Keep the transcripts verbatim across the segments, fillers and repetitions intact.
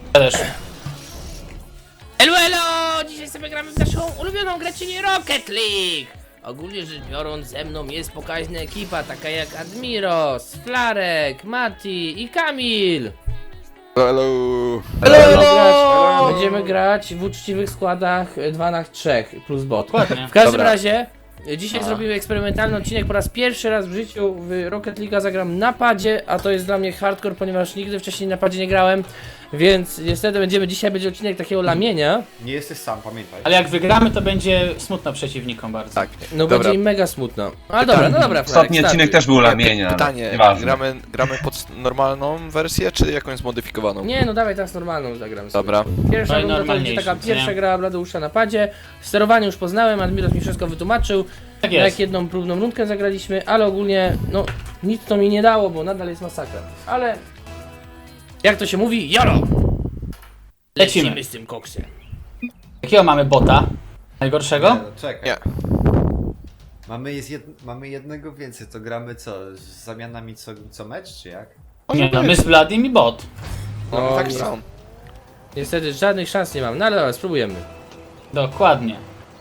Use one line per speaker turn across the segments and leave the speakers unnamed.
Ja też.
Elo, elo! Dzisiaj sobie gramy w naszą ulubioną grę, czyli Rocket League! Ogólnie rzecz biorąc, ze mną jest pokaźna ekipa, taka jak Admiros, Flarek, Mati i Kamil!
Hello!
Będziemy grać, będziemy grać w uczciwych składach dwa na trzy plus bot.
Dokładnie.
W każdym
Dobra.
razie, dzisiaj zrobimy eksperymentalny odcinek. Po raz pierwszy raz w życiu w Rocket League zagram na padzie, a to jest dla mnie hardcore, ponieważ nigdy wcześniej na padzie nie grałem. Więc niestety będziemy, dzisiaj będzie odcinek takiego lamienia.
Nie jesteś sam, pamiętaj.
Ale jak wygramy, to będzie smutno przeciwnikom bardzo.
Tak.
No
Dobra.
będzie im mega smutno. Ale dobra, no dobra, Flarek,
Ostatni odcinek
startuj.
też był lamienia. ale
Pytanie,
nieważne.
gramy, gramy pod normalną wersję, czy jakąś zmodyfikowaną?
Nie, no dawaj teraz normalną zagram sobie.
Dobra.
Pierwsza
No i
runda to będzie
normalniejszy,
taka
co
pierwsza
nie?
gra Bladeusza na padzie. Sterowanie już poznałem, Admiros mi wszystko wytłumaczył.
Tak
Jak
jest.
jedną próbną rundkę zagraliśmy, ale ogólnie, no, nic to mi nie dało, bo nadal jest masakra. Ale, jak to się mówi, jolo!
Lecimy.
z tym koksem.
Jakiego mamy bota? Najgorszego?
Nie, no, czekaj.
Nie.
Mamy, jest jed... Mamy jednego więcej, to gramy co? Z zamianami co, co mecz, czy jak?
Nie no, my z Bladim i bot.
No,
O,
tak
nie.
samo.
Niestety żadnych szans nie mam, no ale dobra, spróbujemy.
Dokładnie.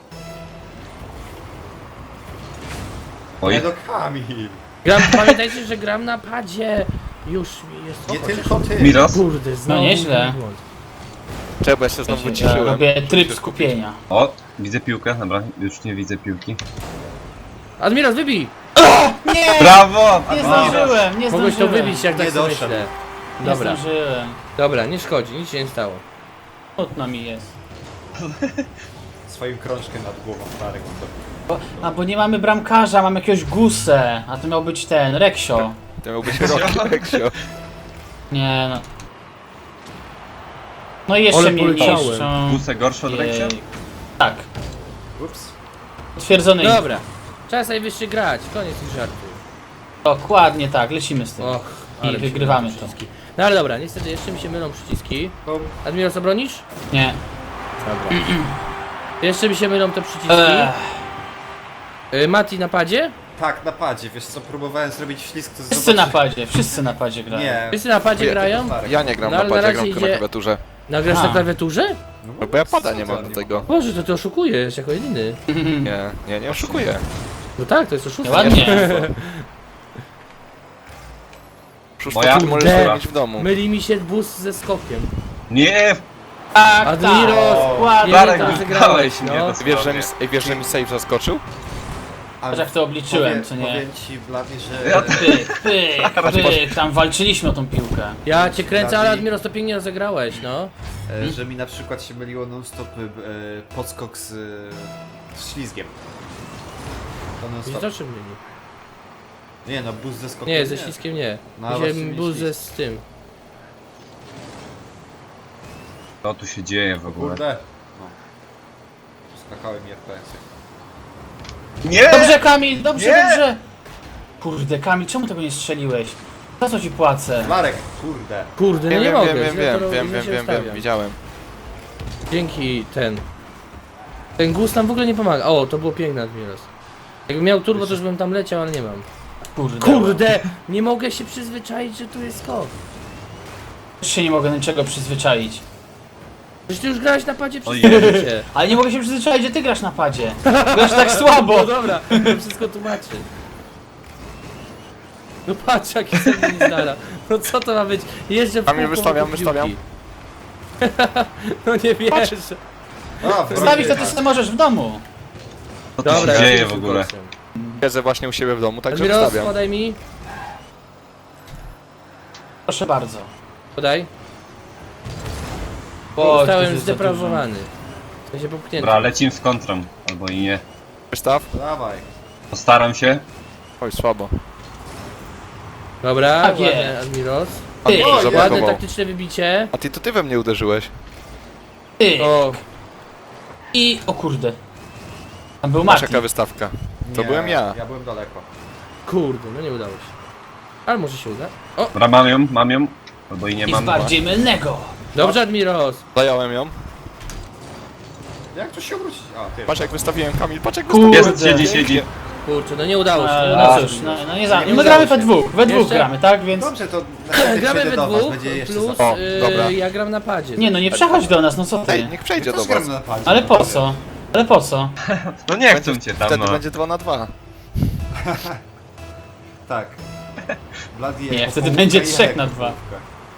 Oj,
Nie do Kamil!
Gram, pamiętajcie, że gram na padzie. Już mi jest...
Nie
o,
tylko ty!
Miros?
Kurde, znowu
nieźle.
mój błąd.
Czekaj, bo ja się znowu
Ja
wyciszyłem.
robię tryb skupienia.
O, widzę piłkę, dobra, już nie widzę piłki.
Admiros, wybij!
Nie!
Brawo!
Nie
Admiros.
zdążyłem, nie
Mogłeś to
zdążyłem.
wybić, jak
Nie
tak sobie
doszedł.
myślę.
Nie
Dobra,
zdążyłem.
dobra, nie szkodzi, nic się nie stało.
Smutno mi jest.
Swoim krążkiem nad głową Flarek to.
Bo, a bo nie mamy bramkarza, mamy jakiegoś gusę. A to miał być ten, Reksio.
To miał być rok, Reksio.
Nie no. No i jeszcze
Ale
mnie
poleciałem.
niszczą.
Busę gorszy od Reksia?
Jej. Tak,
Ups.
potwierdzony.
Dobra, czas najwyższy grać, koniec tych żartów.
Dokładnie tak, lecimy z tym.
Och,
I
ale mi się
wygrywamy
mylą
to.
przyciski. No ale dobra, niestety jeszcze mi się mylą przyciski.
Bum.
Admiros, obronisz?
Nie.
Dobra. Jeszcze mi się mylą te przyciski.
Ech.
Y, Mati na padzie?
Tak, na padzie, wiesz co, próbowałem zrobić ślizg, to
Wszyscy na
zobaczy-
padzie, wszyscy na padzie grają.
Nie.
Wszyscy na padzie
Ja-
grają?
Flarek.
Ja nie gram
No,
na
ale na
padzie,
razie
gram tylko na
idzie-
klawiaturze.
Nagrasz
A.
na klawiaturze?
No,
Bo ja pada nie
co,
mam do tego.
mogę.
Boże, to ty oszukujesz jako jedyny.
Nie, nie, nie oszukuję.
No tak, to jest oszustwo.
Ładnie.
Szóstą
Moja?
ty możesz
Kurde.
zrobić w domu.
Myli mi się bus ze skokiem.
Nie!
Tak,
Admiros,
tak, dokładnie
Darek,
tak.
rozegrałeś,
mnie,
no.
to
Wiesz, że mi, wiesz, że mi save zaskoczył?
A
Że jak to obliczyłem,
powiem,
co nie?
Powiem ci, Blady, że...
Ja
Pyk, pyk, pyk, tam walczyliśmy o tą piłkę.
Ja cię kręcę, ale
Dawid.
Admiros to pięknie rozegrałeś, no.
E, że mi na przykład się myliło non-stop e, podskok z, e, z ślizgiem. To
Widzisz
non-stop.
o czym myli?
Nie no, bus ze skokiem
Nie, ze ściskiem nie.
No,
Mi
właśnie
się
mi
bus ze
ślisk.
z tym.
Co tu się dzieje w ogóle?
Kurde. No. Skakały mi F P S-y.
Nie!
Dobrze, Kamil, dobrze,
Nie!
dobrze. Kurde, Kamil, czemu tego nie strzeliłeś? Za co ci płacę?
Flarek, kurde.
Kurde, no
Wiem,
nie
wiem,
mogę.
wiem, wiem,
źle
wiem,
to-
wiem,
źle
wiem,
się
wiem,
ustawiam.
wiem, widziałem.
Dzięki ten. Ten guz nam w ogóle nie pomaga. O, to było piękne, Admiros. Jakbym miał turbo, to już bym tam leciał, ale nie mam.
Kurde.
Kurde! Nie mogę się przyzwyczaić, że tu jest skok.
Też się nie mogę do niczego przyzwyczaić.
Przecież ty już grałeś na padzie przez
Ojej.
całe życie.
Ale nie mogę się przyzwyczaić, że ty grasz na padzie. Grasz tak słabo.
No dobra, to wszystko tłumaczy. No patrz, jaki sobie nie znala. No co to ma być? Jeżdżę w
Kamil,
kółko
wystawiam,
wokół
wystawiam.
piłki. No nie wierzę.
A, w
Stawić to
rodzie.
ty sobie możesz w domu.
Co tu
Dobra,
się
ja
dzieje
się
w ogóle?
koksem.
Siedzę właśnie u siebie w domu, także
Admiros,
wystawiam.
podaj mi.
Proszę bardzo.
Podaj.
Oj, to
Zostałem
jest za
zdeprawowany. W sensie popchnięty.
Dobra, lecimy z kontrą. Albo i nie.
Wystaw?
Dawaj.
Postaram się.
Oj, słabo.
Dobra,
Tak
ładnie,
jest.
Admiros.
A
Ty,
mnie
o,
Ładne
zablokował.
taktyczne wybicie.
A ty to ty we mnie uderzyłeś.
Ty.
O,
I o kurde. Tam był
Masz
Martin.
jaka wystawka. To
Nie,
byłem ja.
Ja byłem daleko.
kurde, no nie udało się. Ale może się uda. O,
Dobra, mam ją, mam ją. Albo i nie
Nic
mam.
bardziej mylnego.
dobrze, Admiros.
Zająłem ją.
Jak to się obrócić? A, ty.
Patrz jak wystawiłem, Kamil, patrz jak
Kurde.
wystawiłem.
Jest, siedzi, siedzi.
Kurczę, no nie udało się, nie
No,
udało
no
się.
cóż, no, no nie za...
Nie
My
udało
gramy
się.
we dwóch, we dwóch
Jeszcze?
gramy, tak? Więc...
Dobrze, to następnie
Gramy
przyjdę
we
do was,
dwóch,
będzie jeszcze
plus
za...
O, dobra.
yy, ja gram na padzie.
Nie no, nie przechodź do nas, no co
Ej,
ty?
niech przejdzie
Ja
do
też gram
was.
na padzie.
Ale po co? Ale po co?
No nie
Będzie,
chcą cię tam,
wtedy
no.
będzie dwa na dwa.
Tak. Bloody
Nie,
jako
wtedy
połówka
będzie
i
trzech
jako
na dwa.
połówka.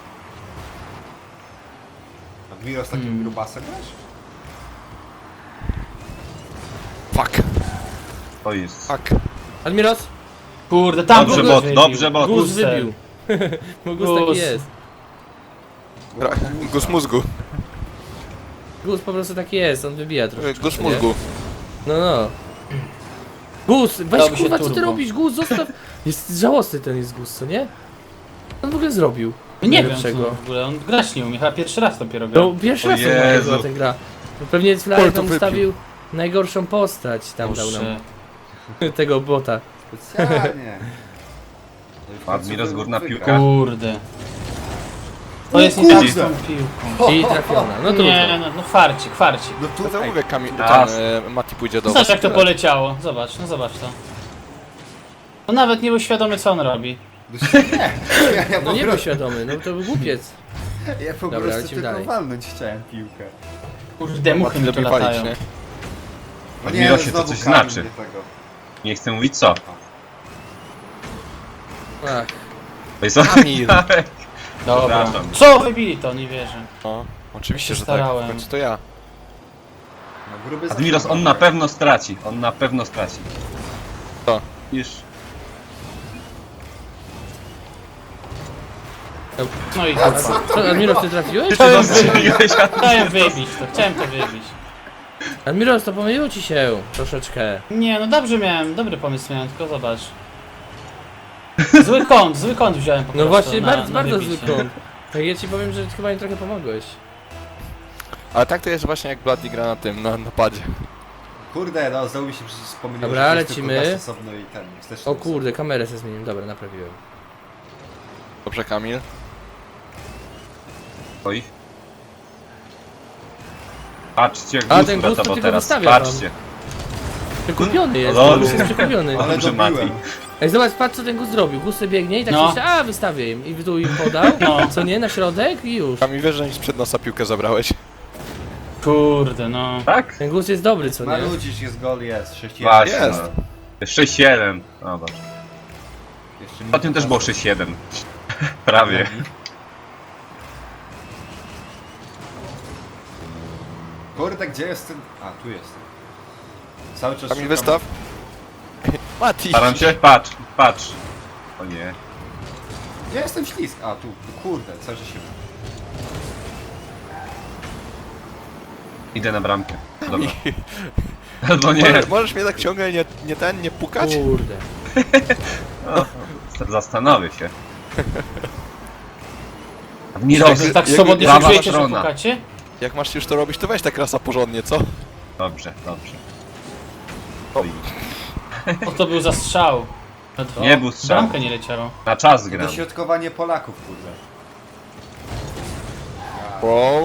Admiro z takim
Hmm.
grubasem grasz?
Fuck,
To jest.
fuck.
Admiros?
Kurde, tam
Dobrze,
kogoś
bot,
wybił.
dobrze, bot.
Gus
Gusem.
wybił. Bo Gus
Gus.
taki jest.
Gra- Gus mózgu.
Gus po prostu taki jest, on wybija troszkę.
Gus mózgu.
No, no. Gus, weź
Dałoby się
kurwa, co ty
turbo.
robisz? Gus, zostaw. Jest żałosny ten jest Gus, co nie? Co on w ogóle zrobił?
Nie wiem
Najlepszego.
co w ogóle, on grać nie umie, chyba pierwszy raz dopiero gra.
No, pierwszy
O
raz
Jezu.
chyba ten gra. No, pewnie
Oj,
Flyer
to
tam
wypił.
ustawił najgorszą postać, tam dał
Boże.
nam tego bota.
Specjalnie.
Admiros, górna
Wygra.
piłka.
Kurde. To
O
jest nie tak
kurde.
z tą piłką.
I trafiona, no trudno.
Nie, no, no farcik, farcik.
No tu,
No to
ej,
mówię, Kamil,
Raz.
ten, e, Mati pójdzie do
Zobacz
was.
jak to poleciało, zobacz, no zobacz to. On nawet nie był świadomy co on robi.
nie, ja, ja
No
po
nie był
prostu,
świadomy, no to był głupiec.
ja po
Dobra,
prostu
lecimy
tylko
dalej.
walnąć chciałem piłkę.
Kurde, muchy mi tu
lepiej palić,
latają.
nie?
No
Admirosie,
no
to
znowu
coś
Kamil
znaczy.
nie tego.
Nie chcę mówić co.
Ach,
To jest
Kamil.
Dobra.
Przepraszam.
Co wybili to, nie wierzę.
No, oczywiście,
Ja się
że tak.
starałem.
W końcu to ja.
No, gruby
Admiros,
zaczął
on na
grać.
pewno straci. On na pewno straci.
Co?
Już.
No i
a
kurwa.
co, co, Admiros, ty trafiłeś?
Chciałem wybić,
Strzeliłeś,
chciałem wybić to, chciałem to wybić.
Admiros, to pomyliło ci się troszeczkę.
Nie, no dobrze miałem, dobry pomysł miałem, tylko zobacz. Zły kąt, zły kąt wziąłem po
No
prostu
właśnie,
na,
bardzo,
na
bardzo
wybicie.
zły kąt. Tak ja ci powiem, że chyba mi trochę pomogłeś.
Ale tak to jest właśnie jak Bloody gra na tym, na napadzie.
Kurde, no znowu mi się przecież pomyliło,
Dobra,
że to jest
lecimy.
tylko gaz osobno i ten. wsteczny
O kurde, kamerę sobie zmieniłem, dobra, naprawiłem.
Dobrze, Kamil?
Oj. Patrzcie, jak
A,
Gus
ten Gus to
uratował
tylko
teraz.
wystawia wam.
Patrzcie.
Przekupiony jest,
Lol.
Gus jest przekupiony.
Ale
Dobrze, Mati.
dobiłem.
Ej, zobacz, patrz co ten Gus zrobił. Gus sobie biegnie i tak
No.
myślę, a wystawię im. I tu im podał,
No.
co nie, na środek i już.
Kamil, wiesz, że mi sprzed nosa piłkę zabrałeś?
Kurde, no.
Tak?
Ten Gus jest dobry, co nie?
Marudzisz, jest gol, jest. sześć jeden.
Właśnie.
Jest.
no. sześć siedem. Zobacz.
Jeszcze
Ostatnio też było sześć siedem. Prawie.
Kurde, gdzie jest ten... A, tu jest. Cały czas
Kamil,
szukam-
wystaw. Mati!
Staram się? Patrz, patrz. O nie.
Gdzie jest ten ślizg? A, tu. Kurde, cały czas się...
Idę na bramkę. Dobra. Albo nie.
Możesz, możesz mnie tak ciągle nie, nie ten, nie pukać?
Kurde.
Zastanowię się. Admiros,
Jak tak
jak-
swobodnie
jak-
się czujecie, że
Strona.
pukacie?
Jak masz już to robić, to weź tak rasa porządnie, co?
Dobrze, dobrze.
O, to był za strzał. O,
Nie był strzał.
Bramkę nie leciało.
Na czas gram.
Dośrodkowanie Polaków, kurde.
Wow.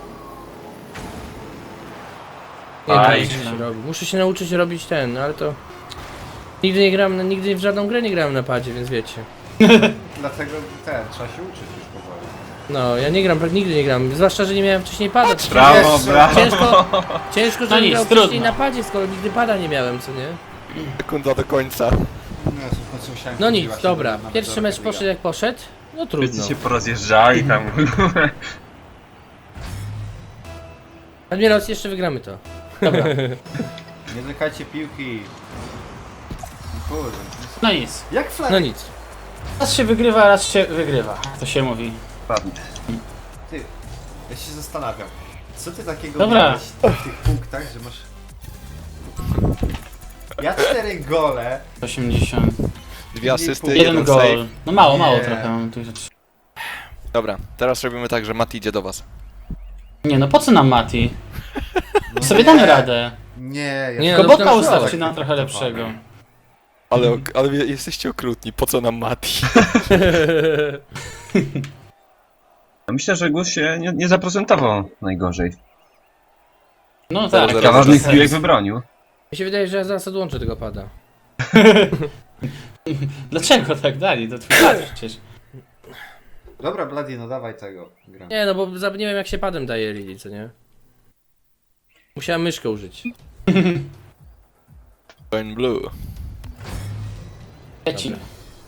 Nie
Aj.
wiem, co się robi. Muszę się nauczyć robić ten, no ale to... Nigdy nie grałem, nigdy w żadną grę nie grałem na padzie, więc wiecie.
Dlatego ten, trzeba się uczyć już powoli.
No, ja nie gram, tak nigdy nie gram. Zwłaszcza, że nie miałem wcześniej pada.
Brawo,
Jeszcze.
brawo.
Ciężko, ciężko,
No
żebym
nic,
grał wcześniej
trudno.
na padzie, skoro nigdy pada nie miałem, co nie?
Sekunda do końca.
No, w końcu musiałem
No
chodzić
nic,
właśnie
dobra.
do- na
Pierwszy
Majorkę
mecz
Liga.
poszedł jak poszedł. No trudno.
Wszyscy się porozjeżdżali tam.
Admiros, jeszcze wygramy to.
Dobra,
Nie dotykajcie piłki. Kurde.
no nic.
Jak flag?
No nic.
Raz się wygrywa, raz się wygrywa, jak to się mówi.
Ładnie.
Ty, ja się zastanawiam. Co ty takiego
Dobra.
miałeś w tych punktach, że masz... Ja cztery gole.
osiemdziesiąt.
Dwie asysty,
Jeden
jeden
gol.
save.
No mało, mało
Nie.
trochę mam tu rzeczy.
Dobra, teraz robimy tak, że Mati idzie do was.
Nie no, po co nam Mati?
No
Sobie
nie.
damy radę.
Nie, ja
Nie,
Tylko
no,
boka
tam
ustawcie
środek.
nam trochę lepszego.
Ale, ale wy jesteście okrutni, po co nam Mati?
No myślę, że Gus się nie, nie zaprezentował najgorzej.
No tak.
Zaraz,
Kilka
zaraz,
ważnych
sens.
piłek wybronił.
Mi się wydaje, że ja zaraz odłączę tego pada.
Dlaczego tak dali? To twój brat przecież.
Dobra, Bloody, no dawaj tego. Gram.
Nie, no bo za- nie wiem jak się padem daje Lili, co nie? Musiałem myszkę użyć.
Join Blue.
Lecimy.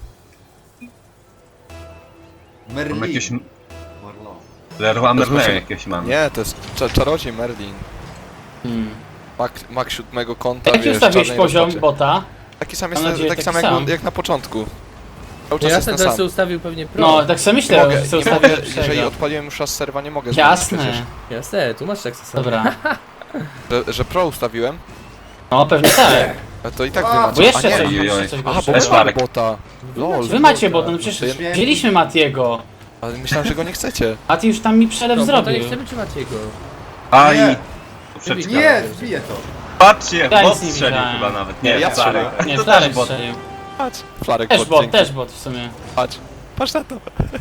Merlin.
Mam jakieś...
Marlo.
Leroy Merlin
Proszę.
jakieś mam.
Nie, to jest cza czarodziej Merlin.
Hmm.
Mak, mak siódmego kąta,
Jaki
wiesz,
ustawiłeś
czarnej
poziom
rozpaczy.
bota?
Taki sam
Mam
jest,
nadzieję,
taki
taki
sam, jak,
sam.
jak na początku. Cały
No
czas
ja
jest
sobie
ten
teraz
sam.
ustawił pewnie pro.
No, tak sobie
Nie
myślę,
mogę,
że
nie
ustawię
mogę,
lepszego.
jeżeli odpaliłem już raz serwa, nie mogę
Jasne.
zmienić
Jasne, tu masz tak sobie.
Dobra.
przecież. Że, że pro ustawiłem,
No, pewnie tak.
a to i tak
A,
wy
Bo
macie.
jeszcze
a nie,
coś,
ojej,
jeszcze
oj.
coś
Aha, bo
gorszego.
Też
wy macie
Marek.
bota. Lol,
Wy macie bota, no
To
przecież
ja-
wzięliśmy Matiego.
ale myślałem, że go nie chcecie.
Mati już tam mi przelew
No, bo to
zrobił.
nie chcemy trzymać jego.
Aj!
Nie.
Poprzeczka.
Nie, wbiję to.
Patrzcie,
Ja
bot
nic nie
strzelił
widziałem.
chyba nawet.
Nie, ja
stary.
strzelałem.
Nie,
To
Flarek
też bot.
strzelił.
Patrz, Flarek
Też
bot,
bot,
dzięki.
też bot w sumie.
Patrz, patrz na to.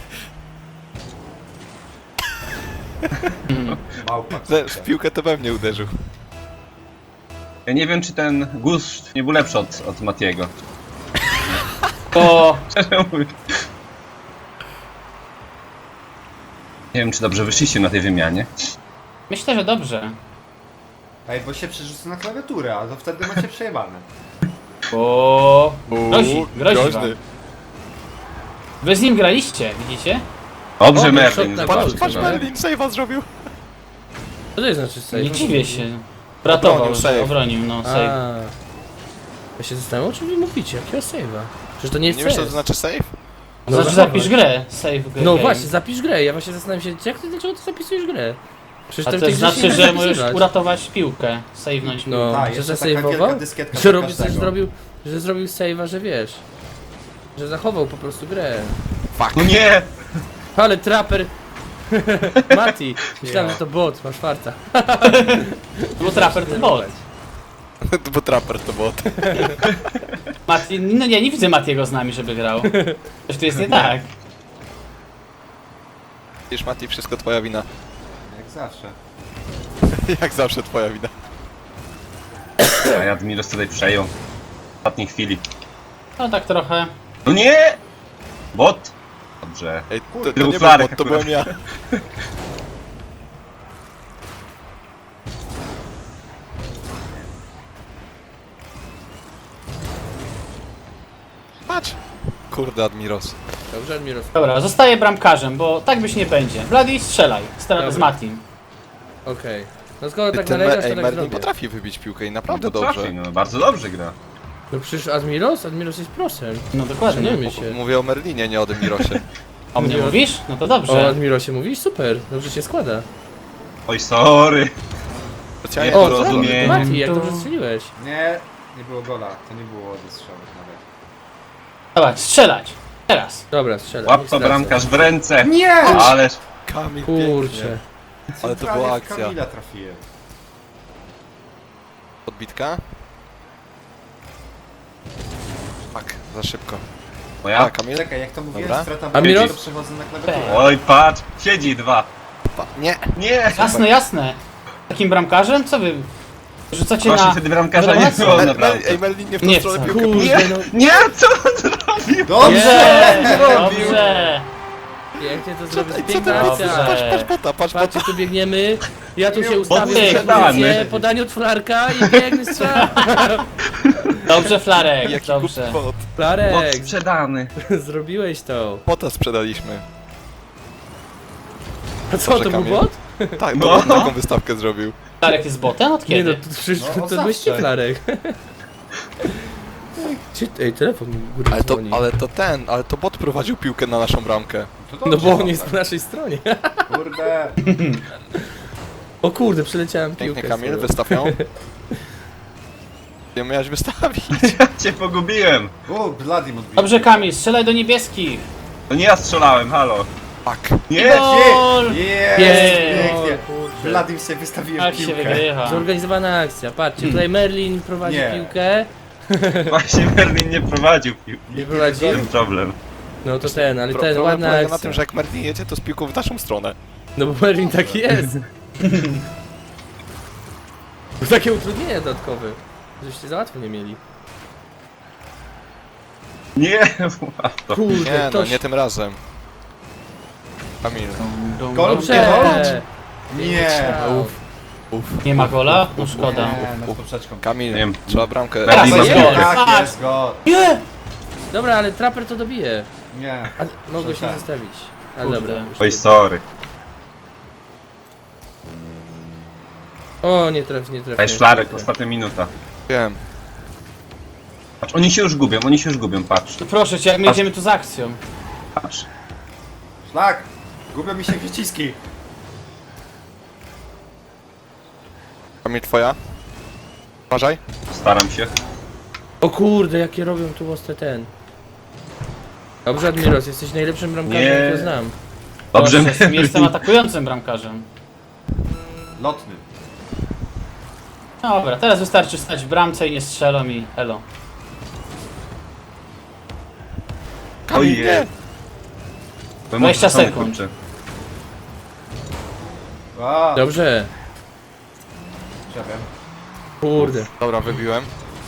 Małpa.
Że w piłkę to we mnie uderzył.
Ja nie wiem, czy ten gust nie był lepszy od, od Matiego.
To
Szczerze mówiąc. Nie wiem, czy dobrze wyszliście na tej wymianie.
myślę, że dobrze.
Ej, bo się przerzucę na klawiaturę, a to wtedy macie przejebane.
Bo grozi, grozi wam.
groźny.
Wy z nim graliście, widzicie?
Dobrze,
O,
Merlin,
shot na
zobacz.
gol.
Patrz,
no.
Merlin save'a zrobił.
Co to jest znaczy save?
Nie dziwię się. Ratował,
Obronił
że
save.
obronił, no save.
A. Ja się zastanawiam, o czym wy mówicie, jakiego save'a? Przecież to nie jest
Nie wiesz, co to
save.
znaczy save?
To znaczy
zachować.
zapisz grę, save grę.
No
game.
właśnie, zapisz grę, ja właśnie zastanawiam się, jak ty, dlaczego ty zapisujesz grę? Przecież
A
to
to
tych rzeczy
znaczy,
nie
że
da
możesz
zapisywać.
uratować piłkę, save'nąć piłkę.
No,
Tak,
że
jeszcze taka wielka
zasejwował,
dyskietka
że
dla
robił, że
każdego.
zrobił, że zrobił save'a, że wiesz, że zachował po prostu grę.
Fuck.
No nie!
Ale traper... Mati, myślałem, że to bot, masz farta.
Bo traper to bot.
Bo trapper to bot.
Mati, no nie, nie widzę Matiego z nami, żeby grał. Coś tu jest nie tak.
Wiesz, Mati, wszystko twoja wina.
Jak zawsze.
Jak zawsze twoja wina.
A ja Admiros tutaj przejął. W ostatniej chwili.
No tak trochę.
No nie! Bot! Dobrze.
Ej, to,
Był
to nie był
Flarek
bot, to
akurat.
byłem ja. Patrz! Kurde, Admiros.
Dobrze, Admiros.
Dobra, zostaję bramkarzem, bo tak być nie będzie. Bloody, strzelaj. Stara z
Dobra.
Matim.
Okej. No skoro tak
Ten
nalegasz,
Me-
to
Ej,
tak
Merlin
zrobię.
potrafi wybić piłkę i
No
naprawdę
to
dobrze.
trafi, no bardzo dobrze gra.
No przecież Admiros? Admiros jest prosem.
No dokładnie.
Szanujmy się.
Mówię o Merlinie, nie o Admirosie.
O mnie mówisz? No to
O
dobrze.
Admirosie mówisz? Super, dobrze się składa.
Oj, sorry.
Specjalnie
Nie,
O,
to
to
co?
rozumiem.
rozumiem.
Mati, jak
To-
dobrze strzeliłeś.
Nie, nie było gola. To nie było wystrzału nawet.
Dawaj, strzelać. Teraz.
Dobra, strzelaj.
Łap
niech
to
stracę.
bramkarz w ręce.
Nie!
Ależ.
Kamil,
Kurczę.
pięknie. Ale to
Centralnie
była
w
akcja.
Kamila trafiłem.
Podbitka? Fuck, za szybko. A,
Moja?
Kamil?
Czekaj, jak to mówiłem,
Dobra.
strata
A Miros?
bramki, to przechodzę na klawiaturę.
Oj, patrz. Siedzi dwa.
Pa- Nie!
Nie!
Jasne, jasne. Takim bramkarzem? Co wy? Rzucacie
Właśnie
na...
wtedy bramkarza nie
relację?
było
Mer-
naprawdę.
Mer- Ej, Merlin nie w tą
Nie
stronę
chcę.
piłkę.
Kurde, no.
Nie, co on zrobił?
Dobrze!
Dobrze! Dobrze!
Pięknie to
Co,
zrobić.
ej, co
Piękna
ty
Dobrze.
robisz?
akcja.
Patrz, patrz bota, patrz bota.
Patrzcie, tu biegniemy. Ja tu się ustawię w
Podsprzedany.
pozycję, podanie od Flarka i biegny strzał.
Dobrze, Flarek,
Jaki
dobrze.
głupi bot.
Bot
Flarek,
sprzedany.
zrobiłeś to.
Bota sprzedaliśmy.
A co,
Dobrze,
to był
Kamil.
bot?
Tak,
No.
no. taką wystawkę zrobił.
Flarek jest botem? Od
Nie no,
kiedy?
to przecież
No,
to
zawsze.
byłeś ty, Flarek. Gdzie- Ej, telefon mi góry
Ale to,
dzwoni.
ale to ten, ale to bot prowadził piłkę na naszą bramkę.
To
No
dobrze,
bo on
dobra.
jest po naszej stronie.
Kurde.
O kurde, przeleciałem
Pięknie,
piłkę.
Kamil,
swoją.
wystaw ją. Nie miałeś wystawić.
Ja cię pogubiłem.
O, Bloody odbił.
Dobrze, Kamil, strzelaj do niebieskich.
To nie ja strzelałem, halo.
Fuck.
Nie!
Gol!
Jest,
Jest.
pięknie.
O, kurczę.
Bloody sobie wystawiłem
Tak się
piłkę.
wygrywa.
Zorganizowana akcja, patrzcie, tutaj Merlin prowadzi
Nie.
piłkę.
Właśnie Merlin nie prowadził piłki.
Nie prowadził?
Ten problem.
No to ten, ale
Pro-
ten,
problem
ładna
polega na
akcja.
tym, że jak Merlin jedzie, to z piłką w naszą stronę.
No bo Merlin taki jest. Takie utrudnienia dodatkowe. Żeście za łatwo nie mieli.
Nie, łatwo.
Kurde,
Nie no,
ktoś...
nie tym razem. Kamil.
Gol?
Dobrze!
Nie!
Uf.
Nie ma gola? No szkoda.
Nie, no z poprzeczką.
Kamil,
Nie wiem.
trzeba bramkę.
Teraz
Berlin
jest
ma
gol.
piłkę.
Tak,
Tak.
jest gol.
Nie!
Dobra, ale traper to dobije.
Nie.
A mogę się
Tak.
zostawić. Ale
Kurde.
dobra.
Oj, sorry.
O, nie traf, nie traf.
Daj szlarek, ostatnia minuta.
Wiem.
Patrz, oni się już gubią, oni się już gubią, patrz.
To proszę cię, jak my jedziemy tu z akcją.
Patrz.
Szlak! Gubią mi się przyciski.
Kamil, twoja? Uważaj.
Staram się.
O kurde, jakie robią tu ostre ten. Dobrze, Admiros, jesteś najlepszym bramkarzem,
Nie.
jakiego znam.
Dobrze,
Proszę, jestem atakującym bramkarzem.
Lotny.
Dobra, teraz wystarczy stać w bramce i nie strzelą i elo.
Kamil, nie!
dwadzieścia sekund.
Kurczę.
A,
Dobrze.
Przepraszam.
Kurde.
Dobra, wybiłem.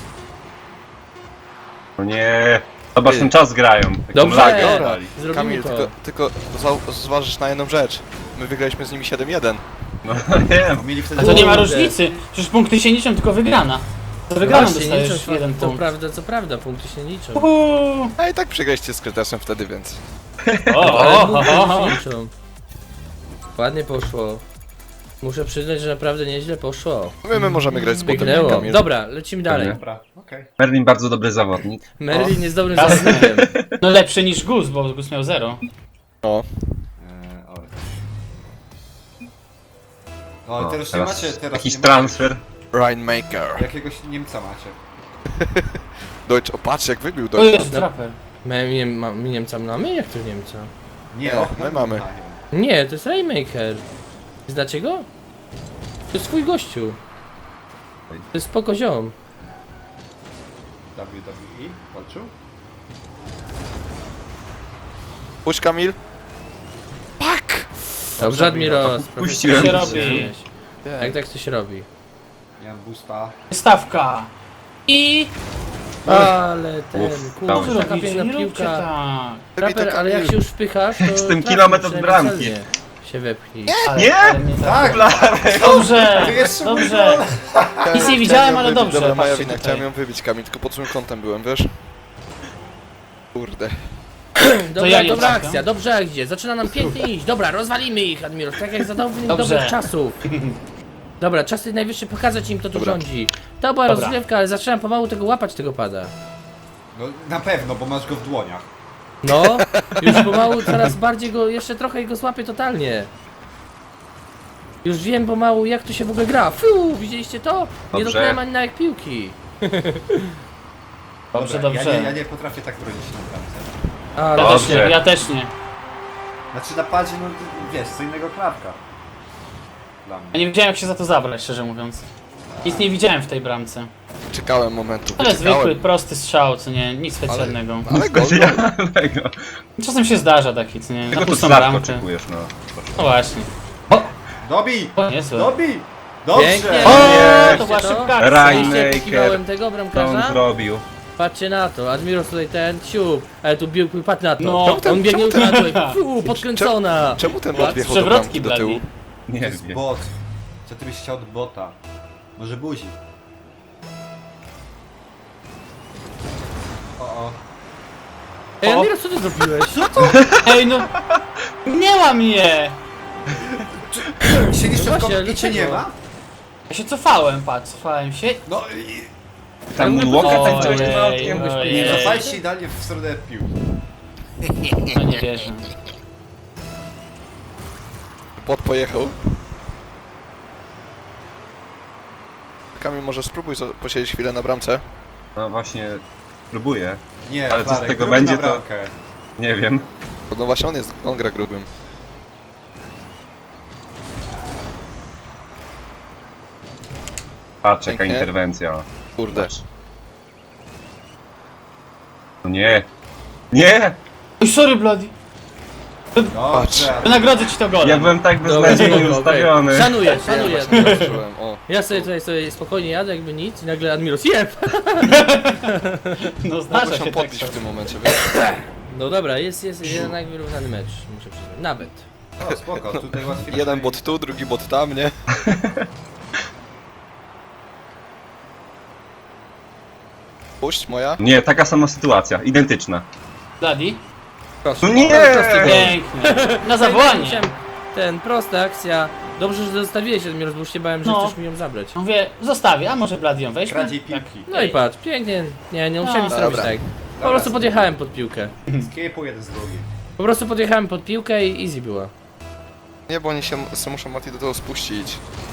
No nie. Zobacz,
Ty.
ten czas grają. Taką
Dobrze.
lagę
Dobra.
dali.
Zrobimy
Kamil,
to.
tylko, tylko zau- zważysz na jedną rzecz. My wygraliśmy z nimi siedem jeden.
No nie.
Bo mieli
A
wtedy...
to nie ma
Kurde.
różnicy. Przecież punkty się liczą, tylko wygrana. Za wygraną
Właśnie, nie
dostajesz
liczą,
jeden
to
punkt.
prawda, co prawda, punkty się nie liczą.
Uhu.
A i tak przegraliście z Kretesem wtedy, więc...
O,
Ale
o,
punkty
o,
się
o.
nie liczą. Ładnie poszło. Muszę przyznać, że naprawdę nieźle poszło.
My, my możemy grać z botem,
Pyknęło.
Kamil.
Dobra, lecimy dalej.
Dobra, okej.
Merlin bardzo dobry zawodnik.
Merlin jest dobrym
Jasne.
zawodnikiem.
No lepszy niż Gus, bo Gus miał zero.
No.
Eee, oj. O,
O,
teraz nie macie, teraz
jakiś
nie
transfer.
Rainmaker.
macie. Jakiegoś Niemca macie.
Deutsch, o patrz jak wybił
O
Deutsch.
jest traper.
My, my, my Niemca mamy? Jak to Niemca?
Nie,
No,
o,
my mamy.
Nie, to jest Rainmaker. Znacie go? To jest twój gościu. To jest spoko ziom.
W W E walczył?
Puść Kamil. Pak!
Dobrze, Admiros.
Puściłem.
Co się robi?
Jak tak to się robi?
Miałem boosta.
Stawka. I...
Ale ten,
Uff,
kurczę,
dałem.
Co
taka
robicie?
piękna
Nie róbcie
piłka.
tak.
Traper, ale jak się już wpychasz, to
Z tym
trafisz,
kilometr od
przynajmniej
bramki.
celnie się wepchnij.
Ale,
Nie?
ale mnie tak.
Tak!
Dobrze,
To jeszcze
dobrze. Nic nie widziałem, ale dobrze.
Dobra, moja
patrzcie
wina,
tutaj.
chciałem ją wybić Kamil, tylko pod złym kątem byłem, wiesz? Kurde.
Dobra,
ja nie
dobra
trafiam.
akcja, dobrze idzie, zaczyna nam pięknie iść. Dobra, rozwalimy ich, Admiros, tak jak za dawnych
Dobrze.
dobrych czasów. Dobra, czasy najwyższe pokazać im, kto tu
Dobra.
rządzi. To była
Dobra.
rozgrywka, ale zaczynam pomału tego łapać, tego pada.
No na pewno, bo masz go w dłoniach.
No, już pomału coraz bardziej go, jeszcze trochę go złapię totalnie. Już wiem pomału, jak to się w ogóle gra. Fiu, widzieliście to? Nie
Dobrze.
dotknąłem ani na jak piłki.
Dobrze,
Dobra, Ja
dobrze.
nie, ja nie potrafię tak bronić na bramce.
Ale
Ja też nie,
Dobrze.
ja też nie.
Znaczy na padzie, no wiesz, co innego klapka. Dla
Ja
mnie.
nie wiedziałem jak się za to zabrać, szczerze mówiąc. Nic nie widziałem w tej bramce.
Czekałem momentu,
Ale zwykły,
wyczekałem.
prosty strzał, co nie, nic specjalnego.
Ale gol, no.
Specjalnego.
Czasem się zdarza taki, co nie, na
Tego to
pustą
sladko
bramkę.
oczekujesz, no.
No właśnie.
Dobij!
O, niezłe.
Dobij! Dobrze!
Pięknie.
O,
Nie.
to była
Widzicie to?
szybka akcja.
Rajny.
Widzieliście, pokiwałem
Rainmaker.
tego
Co on
bramkarza?
zrobił?
Patrzcie na to, Admiros tutaj ten, siup, ale tu biegł, patrz na to.
No.
on
Czemu ten-
biegnie
czemu
na
ten-
to, fu, podkręcona.
Czemu ten
Ładnie.
bot wjechał do
Przewrotki
bramki do tyłu?
bladi.
Nie
To jest
wiem.
bot. Co ty byś chciał od bota? Może buzi? O, o.
Ej,
O.
Admiros, co ty zrobiłeś?
Ej no, minęła mnie!
Siedzisz
No
w
właśnie,
i cię nie
dlaczego?
ma?
Ja się cofałem, patrz, cofałem się.
No i...
Tam
Ale
Łoka
ojej,
tak coś ma okiem
ojej.
I
Ej.
cofaj się idealnie w stronę piłki.
No nie wierzę.
Bot pojechał. Kamil, może spróbuj zo- posiedzieć chwilę na bramce.
No właśnie, próbuję.
Nie,
Ale co z
Klarek,
tego
drugi
będzie,
na
to-
bramkę.
Nie wiem.
No właśnie on jest, on gra grubym.
Patrz, jaka
Pięknie.
interwencja.
Kurde.
No nie. Nie!
Oj, sorry bloody.
Dobrze.
Wynagrodzę ci to golem.
Ja byłem tak
Dobra,
beznadziejnie
okej.
ustawiony.
Szanuję, szanuję.
Zobaczyłem, o.
Ja sobie tutaj sobie spokojnie jadę, jakby nic i nagle Admiros jeb!
No zdarza
Mogę
się
się
tak.
podbić w tym momencie, wiesz?
No dobra, jest, jest jednak wyrównany mecz, muszę przyznać. Nawet.
O, spoko, tutaj łatwiej.
Jeden bot tu, drugi bot tam, nie? Puść, moja.
Nie, taka sama sytuacja, identyczna.
Bloody?
Proszę.
No nie!
Prosty gol.
Pięknie. Na zawołanie.
Chciałem- Ten, prosta akcja. Dobrze, że zostawiłeś Admiros, bo już się bałem, że
No.
chcesz mi ją zabrać.
Mówię, zostawię, a może Bloody ją weźmie?
Kradziej
Tak.
piłki.
No i patrz, pięknie. Nie, nie musiałem nic
Dobra.
robić tak. Po prostu podjechałem pod piłkę.
Skipu jeden z drugim.
Po prostu podjechałem pod piłkę i easy była.
Nie, bo oni się se muszą Mati do tego spuścić.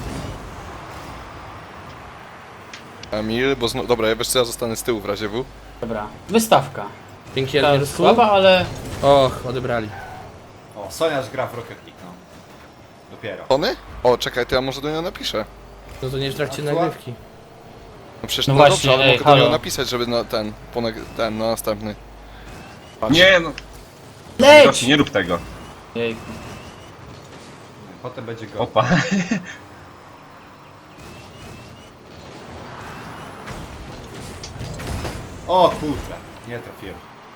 Emil, bo znowu... Dobra, ja wiesz co, ja zostanę z tyłu w razie W.
Dobra, wystawka.
Dzięki
Ta
Admirosku.
słaba, ale
Och, odebrali.
O, Soniarz gra w Rocket League, no. Dopiero.
Tony? O, czekaj, to ja może do niego napiszę.
No to nie w trakcie
Aktua?
nagrywki.
No przecież
No
no,
właśnie,
dobrze, ale
ej,
mogę do niego
halo.
napisać, żeby na ten, po nag- ten, na następny. Patrz.
Nie no,
leć!
Rosji, nie rób tego.
Jejku.
Potem będzie go.
Opa.
O kurde, nie trafiłem.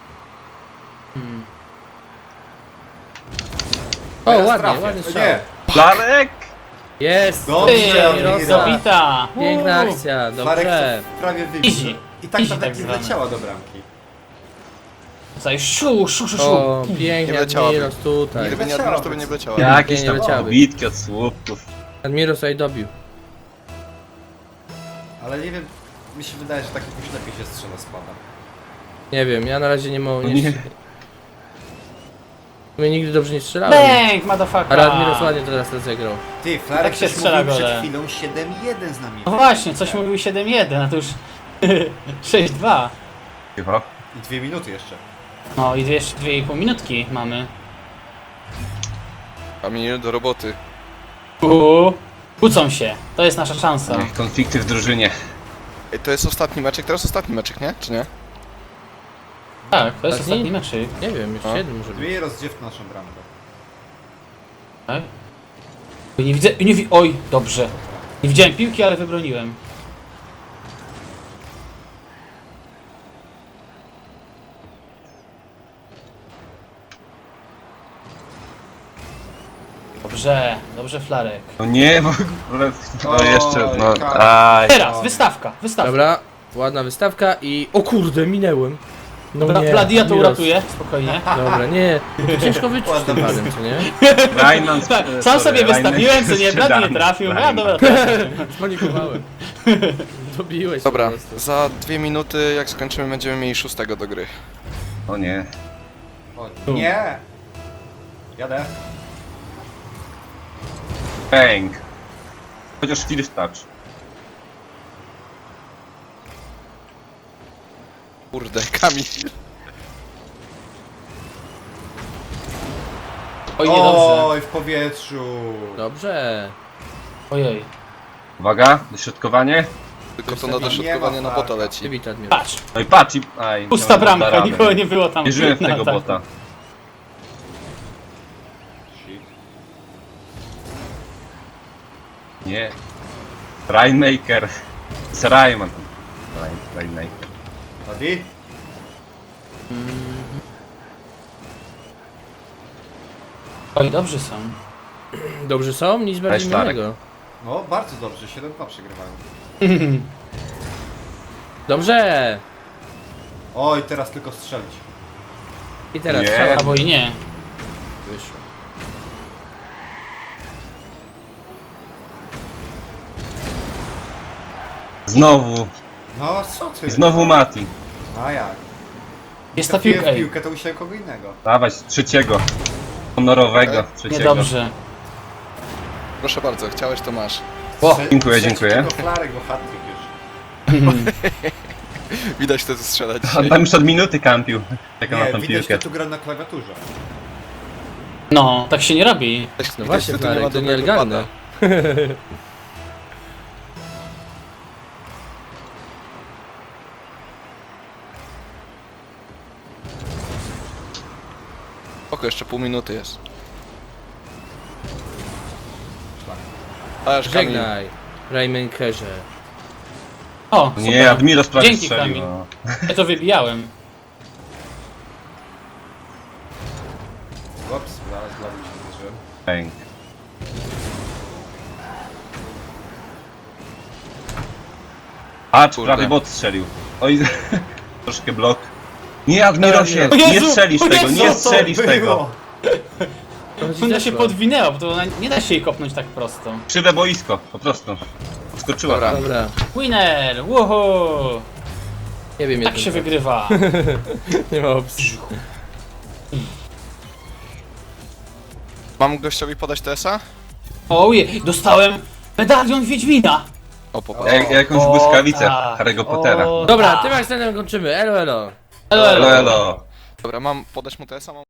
O,
Teraz
ładnie,
trafię.
ładny
O
strzał.
Nie,
Flarek!
Jest!
Dobrze,
Ty,
Admirosa.
zabita.
Piękna
Uuu.
akcja,
Flarek
dobrze.
to prawie wybił.
Easy.
I tak
Easy
ta
tak
tak nie
zwane.
wleciała do bramki.
Tutaj szu, szu, szu, szu.
O, pięknie
Nie leciałaby.
Admiros tutaj.
Gdyby nie
leciała,
Admiros, to by nie
więc-
wleciała.
Jakieś
nie
tam
leciały.
bitki od słupków.
Admiros tutaj dobił.
Ale nie wiem, mi się wydaje, że tak jakoś lepiej się strzela spada.
Nie wiem, ja na razie nie mogę.
No
Nie.
nie.
My nigdy dobrze nie strzelałem.
Bęk, motherfucker.
Ale Admiros ładnie teraz rozegrał.
Ty, Flarek
Tak się
też
strzela
mówił przed
gole.
chwilą siedem jeden z nami.
No właśnie, coś mówił siedem jeden, a to już sześć dwa.
Cicho.
I dwie minuty jeszcze.
No i jeszcze dwie i pół minutki mamy.
Emil, do roboty.
Uuu. Kłócą się, to jest nasza szansa.
Niech konflikty w drużynie.
Ej, to jest ostatni meczek, teraz ostatni meczek, nie? Czy nie?
Tak, to jest
Ostatni?
ostatni meczyk.
Nie wiem, jeszcze
A?
jeden może być.
Dwie rozdziewki naszą bramkę.
Tak? Oj, nie widzę, nie wi oj, dobrze. Nie widziałem piłki, ale wybroniłem. Dobrze, dobrze Flarek.
No nie, w ogóle. No
Oj,
jeszcze, no.
Karol.
Aj.
Teraz, wystawka, wystawka.
Dobra, ładna wystawka i... O kurde, minęłem. No
Dobra,
nie,
Bladia to
Admiros.
uratuje, spokojnie.
Dobra, nie. Bo to ciężko wyczuć z tym
Ładna
padem, co nie?
Rajnan.
Tak, sam sobie wystawiłem, co nie, Blady nie trafił. A dobra,
Spanikowałem. Dobiłeś
Dobra,
po prostu.
za dwie minuty, jak skończymy, będziemy mieli szóstego do gry.
O nie.
O, nie! Jadę.
Bang. Chociaż first touch.
Kurde, Kamil.
oj, niedobrze.
Oj, w powietrzu.
Dobrze.
Ojej.
Uwaga, dośrodkowanie.
Tylko to
Nie
na
ma
dośrodkowanie na
farta.
bota leci.
Wybita Admiros.
Patrz,
No i patrz i... Aj,
pusta
chciałem
bramka,
dar
nikogo
radę.
nie było tam.
Wierzyłem w
na
tego
ataku.
bota.
Shit.
Nie. Rainmaker. Z Rayman. Rain, Rainmaker.
Adi?
Oj, dobrzy są.
Dobrze są? Nic bardziej
Weź Flarek.
innego.
No, bardzo dobrze, siedem dwa przegrywają.
Dobrze.
Oj, teraz tylko strzelić.
I teraz
Nie.
strzała
Albo i nie.
wyszła.
Znowu.
No, co ty?
I znowu Mati.
A jak?
Jest ta
Trafiłem
piłka,
w
ej.
piłkę, to musiałem kogo innego.
Dawać trzeciego. Honorowego trzeciego.
Niedobrze.
Proszę bardzo, chciałeś, to masz.
O,
Trze-
dziękuję,
trzeci
dziękuję.
tylko Flarek, bo hat-trick już.
Widać to, co strzelać
On
dzisiaj.
tam już od minuty kampił. Czekał na
Nie,
tą
widać,
piłkę.
kto tu gra na klawiaturze.
No, tak się nie robi.
No właśnie,
Widać, kto tu nie ma
Flarek, to
dobrego
nielegalne.
pada. O spoko, jeszcze pół minuty jest. Ależ Kamil.
Żegnaj, Raymankerze.
O,
Nie,
super.
Admiros prawie
Dzięki,
strzelił.
Kamil.
No.
Ja to wybijałem.
Ups, zaraz dla mnie się zdarzyłem.
Pęk. A,
Kurde.
prawie bot strzelił. Oj, troszkę blok. Nie, Admirosie,
O Jezu,
nie strzelisz
o
tego,
Jezu,
nie
co
strzelisz
To
tego.
było.
Ona się podwinęła, bo to ona nie da się jej kopnąć tak prosto.
Krzywe boisko, po prostu. Skoczyła.
Dobra.
Dobra,
Winner! Woohoo!
nie wiem
Tak
jak
się wygrywa.
Nie ma opcji.
Mam gościowi podać T S a?
Ojej, dostałem medalion Wiedźmina!
O, popatrz.
Jak, jakąś
O,
błyskawicę
tak.
Harry'ego Pottera.
O,
Dobra,
tak.
tym akcentem kończymy, elo elo.
Elo, elo.
Elo, elo.
Dobra, mam podać mu T S a? Mam